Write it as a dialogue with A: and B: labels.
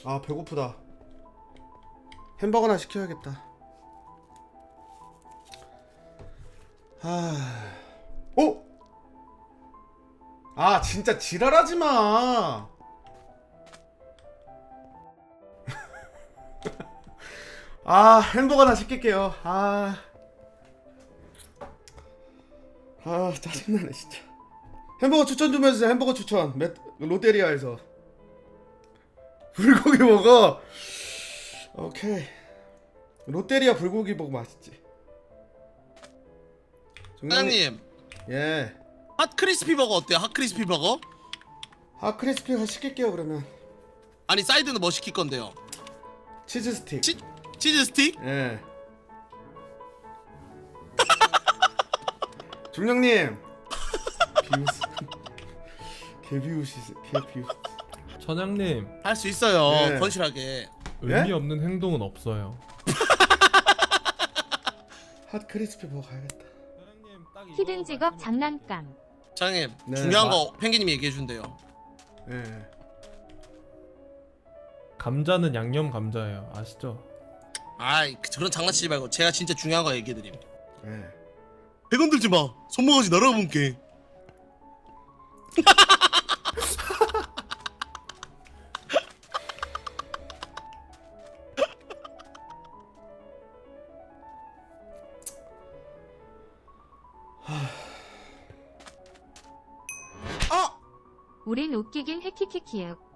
A: 아 배고프다. 햄버거나 시켜야겠다. 아, 오! 아 진짜 지랄하지 마. 아 햄버거나 시킬게요. 짜증나네 진짜. 햄버거 추천 좀 해주세요. 햄버거 추천. 롯데리아에서 불고기 먹어. 오케이. 롯데리아 불고기 먹어 맛있지.
B: 사장님,
A: 예.
B: 핫 크리스피 버거 어때요? 핫 크리스피 버거?
A: 크리스피 시킬게요 그러면.
B: 아니 사이드는 뭐 시킬 건데요?
A: 치즈 스틱.
B: 치즈 스틱?
A: 예. 중령님. 비우스. 개비우시.
C: 천양님,
B: 할 수 있어요.
A: 네.
B: 건실하게.
C: 의미
A: 예?
C: 없는 행동은 없어요.
A: 핫 크리스피 먹어 가야겠다.
D: 히든 직업 장난감.
B: 사장님,
A: 네,
B: 중요한 거 펭귄님이 얘기해 준대요.
A: 예.
C: 감자는 양념 감자예요. 아시죠?
B: 아이, 저런 장난치지 말고 제가 진짜 중요한 거 얘기해 드림.
A: 예.
B: 100원 들지 마. 손모가지 날아볼게.
D: 우린 웃기긴 해키키키요.